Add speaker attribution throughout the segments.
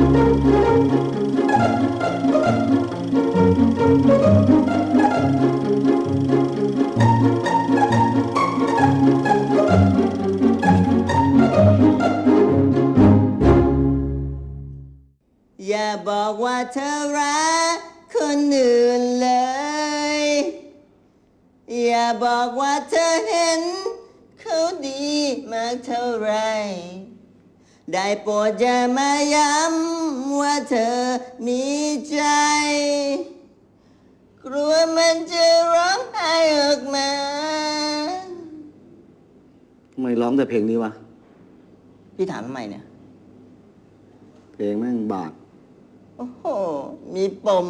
Speaker 1: อย่าบอกว่าเธอรักคนอื่นเลย อย่าบอกว่าเธอเห็นเขาดีมากเท่าไร ได้โปรดอย่ามาย้ำว่าเธอมีใจ กลัวมันจะร้องไห้ออกมา
Speaker 2: ทำไมร้องแต่เพลงนี้วะ
Speaker 1: พี่ถามทำไมเนี่ย
Speaker 2: เพลงแม่งบาด
Speaker 1: โอ้โห มีปม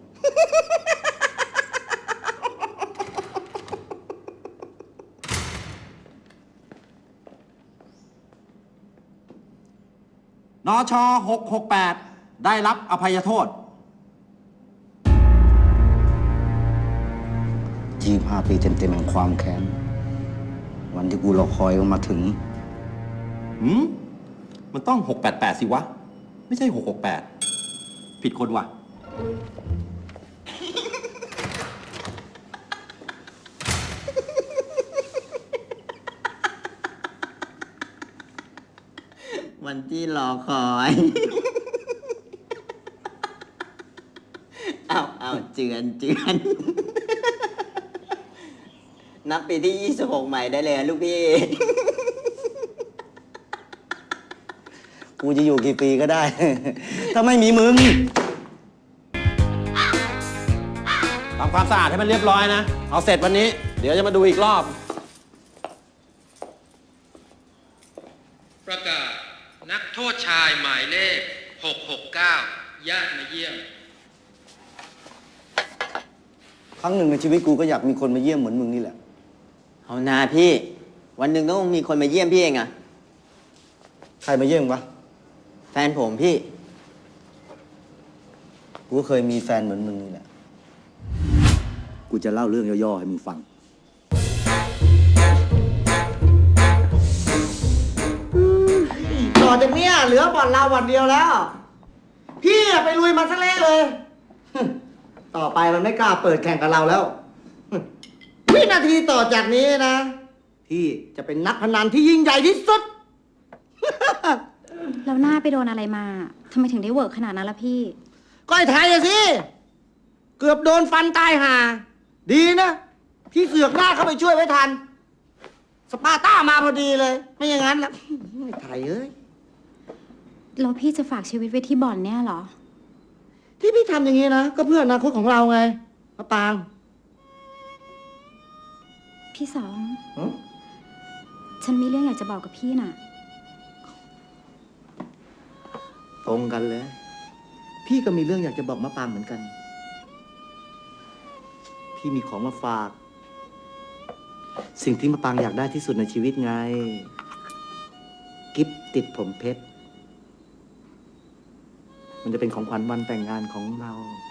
Speaker 3: นช668 ได้รับอภัยโทษ
Speaker 2: 25 ปีเต็มๆแห่งความแค้น วันที่กูรอคอยมันมาถึง
Speaker 3: มันต้อง 688 สิวะ ไม่ใช่ 668 ผิดคนว่ะ
Speaker 1: วันที่รอคอย เอาเจือน นับปีที่ 26 ใหม่ได้เลยลูกพี่
Speaker 2: กูจะอยู่กี่ปีก็ได้ ถ้าไม่มีมึง
Speaker 3: ทำความสะอาดให้มันเรียบร้อยนะ เอาเสร็จวันนี้ เดี๋ยวจะมาดูอีกรอบ
Speaker 4: ประกาศนักโทษชายหมายเลข 669 ญาติมาเยี่ยม
Speaker 2: ครั้งหนึ่งในชีวิตกูก็อยากมีคนมาเยี่ยมเหมือนมึงนี่แหละ
Speaker 1: เอานาพี่ วันหนึ่งต้องมีคนมาเยี่ยมพี่เองอะ
Speaker 2: ใครมาเยี่ยมวะ
Speaker 1: แฟนผมพี่
Speaker 2: กูก็เคยมีแฟนเหมือนมึงนี่แหละ กูจะเล่าเรื่องย่อๆให้มึงฟัง
Speaker 5: ต่อจากเนี้ยเหลือบ่อนเราบ่อนเดียวแล้ว พี่ไปลุยมันซะเละเลย ต่อไปมันไม่กล้าเปิดแข่งกับเราแล้ว วินาทีต่อจากนี้นะ พี่จะเป็นนักพนันที่ยิ่งใหญ่ที่สุด
Speaker 6: แล้วหน้าไปโดนอะไรมาทำไมถึงได้เวิร์กขนาดนั้นล่ะพี่
Speaker 5: ก็ไอ้ไทยอะสิ เกือบโดนฟันตายห่า ดีนะพี่เสือกหน้าเข้าไปช่วยไว้ทัน สปาร์ต้ามาพอดีเลย ไม่อย่างนั้นแล้วไอ้ไทยเอ้ย
Speaker 6: แล้วพี่จะฝากชีวิตไว้ที่บ่อนเนี่ยเหรอ
Speaker 5: ที่พี่ทำอย่างนี้นะ ก็เพื่ออนาคตของเราไงมะปาง
Speaker 6: พี่สอง
Speaker 5: หึ
Speaker 6: ฉันมีเรื่องอยากจะบอกกับพี่น่ะ
Speaker 5: ตรงกันเลย พี่ก็มีเรื่องอยากจะบอกมะปางเหมือนกัน พี่มีของมาฝาก สิ่งที่มะปางอยากได้ที่สุดในชีวิตไง กิฟต์ติดผมเพชร มันจะเป็นของขวัญวันแต่งงานของเรา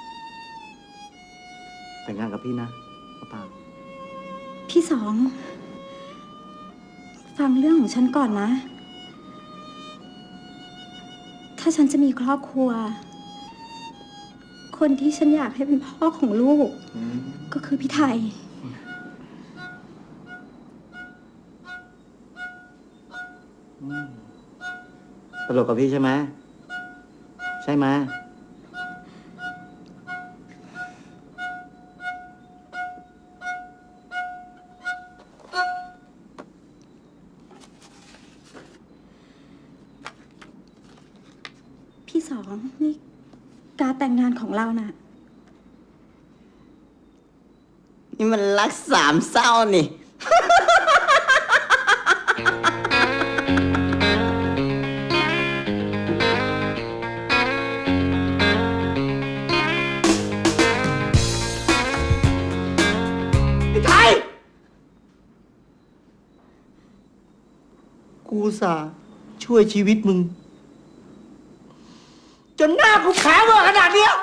Speaker 5: แต่งงานกับพี่นะมะปาง
Speaker 6: พี่สอง ฟังเรื่องของฉันก่อนนะ ถ้าฉันจะมีครอบครัว คนที่ฉันอยากให้เป็นพ่อของลูก ก็คือพี่ไทย
Speaker 5: ตลกกับพี่ใช่ไหม ใช่ไหม
Speaker 6: พี่สองนี่การแต่งงานของเราน่ะ
Speaker 1: นี่มันรักสามเศร้านี่
Speaker 5: ไทย กูอุตสาห์ช่วยชีวิตมึง จนหน้ากูแผลเวอร์ขนาดเนี้ย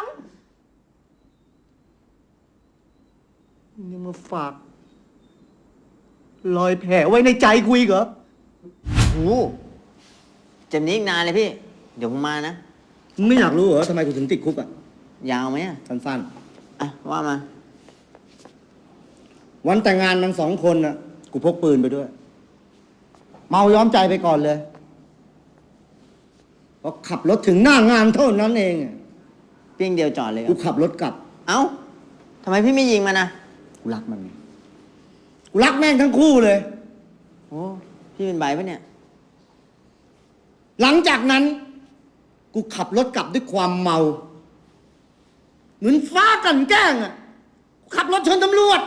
Speaker 5: มึงยังมาฝาก รอยแผลไว้ในใจกูอีกเหรอ
Speaker 1: โอ้เจ็บนี้อีกนานเลยพี่ เดี๋ยวผมมานะ
Speaker 2: มึงไม่อยากรู้เหรอทำไมกูถึงติดคุกอ่ะ
Speaker 1: ยาวไหมอ่ะ
Speaker 2: สั้น
Speaker 1: อ่ะ ว่ามา
Speaker 2: ๆ วันแต่งงานมัน2 คนน่ะ กูพกปืนไปด้วย เมาย้อมใจไปก่อนเลยพอขับรถถึงหน้างานเท่านั้นเองอะ
Speaker 1: เพียงเดียวจอดเลยเหร
Speaker 2: กู
Speaker 1: อ
Speaker 2: ขับรถกลับ
Speaker 1: เอ้าทำไมพี่ไม่ยิงมันนะ
Speaker 2: กูรักมันไงกูรักแม่งทั้งคู่เลย
Speaker 1: โอ้ พี่เป็นใบปะเนี่ย
Speaker 2: หลังจากนั้น กูขับรถกลับด้วยความเมา เหมือนฟ้ากลั่นแกล้งอ่ะกูขับรถชนตำรวจ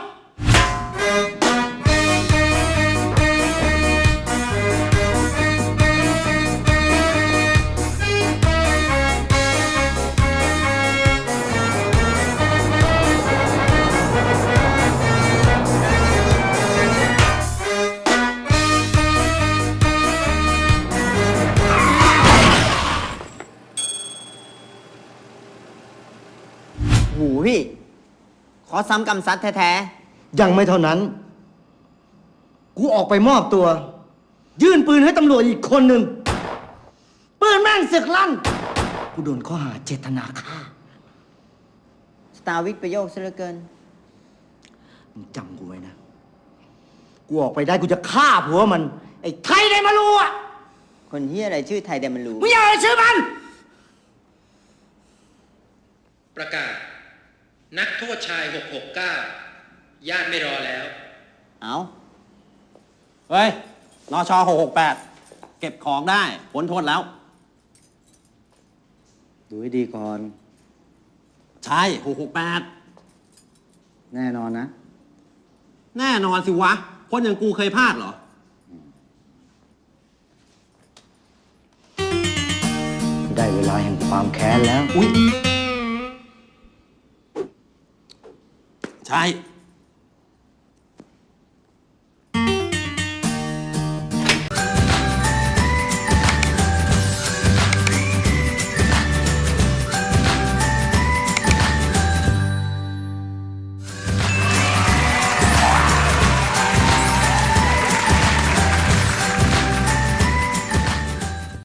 Speaker 1: หูพี่ ขอซ้ำกำซัดแท้
Speaker 2: ยังไม่เท่านั้น กูออกไปมอบตัว ยื่นปืนให้ตำรวจอีกคนหนึ่ง ปืนแม่งสึกลั่น กูโดนข้อหาเจตนาฆ่า
Speaker 1: ๆ สตาร์วิกประโยคซะเหลือเกิน
Speaker 2: มึงจำกูไว้นะ กูออกไปได้กูจะฆ่าผัวมัน ไอ้ไทยได้มารู้อ่ะ
Speaker 1: คนเฮียอะไรชื่อไทยเดมันรู้
Speaker 2: มึงอย่าเอ่ยชื่อมัน
Speaker 4: ประกาศ นักโทษชาย 669 ญาติไม่รอแล้ว
Speaker 1: เอ้า
Speaker 3: เฮ้ยนช668 เก็บของได้พ้นโทษแล้ว
Speaker 2: ดูให้ดีก่อน
Speaker 3: ใช่668
Speaker 2: แน่นอนนะ
Speaker 3: แน่นอนสิวะ คนอย่างกูเคยพลาดเหรอ
Speaker 2: ได้เวลาแห่งความแค้นแล้ว
Speaker 3: ใช่